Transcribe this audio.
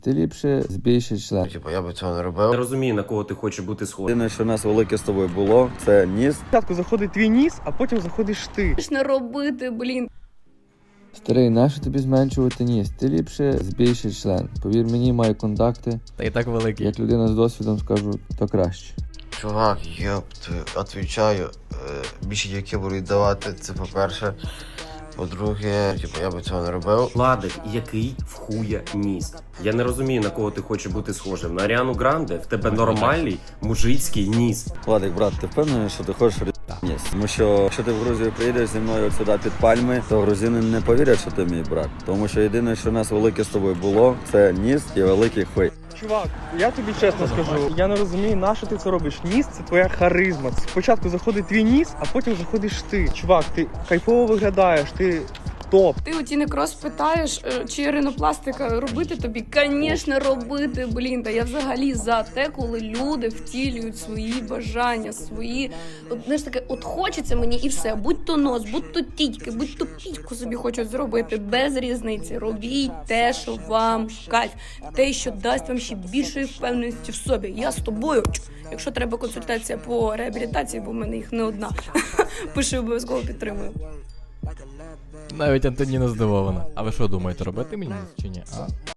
Ти ліпше збій ще член. Типа, я би цього не робив. Не розумію, на кого ти хочеш бути схожим. Єдине, що у нас велике з тобою було, це ніс. Спочатку заходить твій ніс, а потім заходиш ти. Не робити, блін. Старий, нащо тобі зменшувати ніс? Ти ліпше збій ще член. Повір мені, маю контакти. Та і так великий. Як людина з досвідом скажу, то краще. Чувак, отвічаю, більше дівки будуть давати, це по-перше. По-друге, типу, я би цього не робив. Владик, який в хуя ніс. Я не розумію, на кого ти хочеш бути схожим. На Аріану Гранде? В тебе нормальний мужицький ніс. Владик, брат, ти впевнений, що ти хочеш ніс? Тому що, якщо ти в Грузію приїдеш зі мною от сюди під пальми, то грузини не повірять, що ти мій брат. Тому що єдине, що у нас велике з тобою було, це ніс і великий хуй. Чувак, я тобі чесно скажу, я не розумію, на що ти це робиш. Ніс – це твоя харизма. Спочатку заходить твій ніс, а потім заходиш ти. Чувак, ти кайфово виглядаєш, ти топ. Ти у Тіни Крос питаєш, чи ринопластика робити тобі? Звісно, робити, блін. Та я взагалі за те, коли люди втілюють свої бажання, свої... От, знаєш, таке, от хочеться мені і все. Будь то нос, будь то тітьки, будь то пітьку собі хочуть зробити. Без різниці. Робіть те, що вам в кайф. Те, що дасть вам ще більшої впевненості в собі. Я з тобою. Якщо треба консультація по реабілітації, бо в мене їх не одна. Пиши, обов'язково підтримую. Навіть Антоніна здивована. А ви що думаєте, робити мені чи ні? А?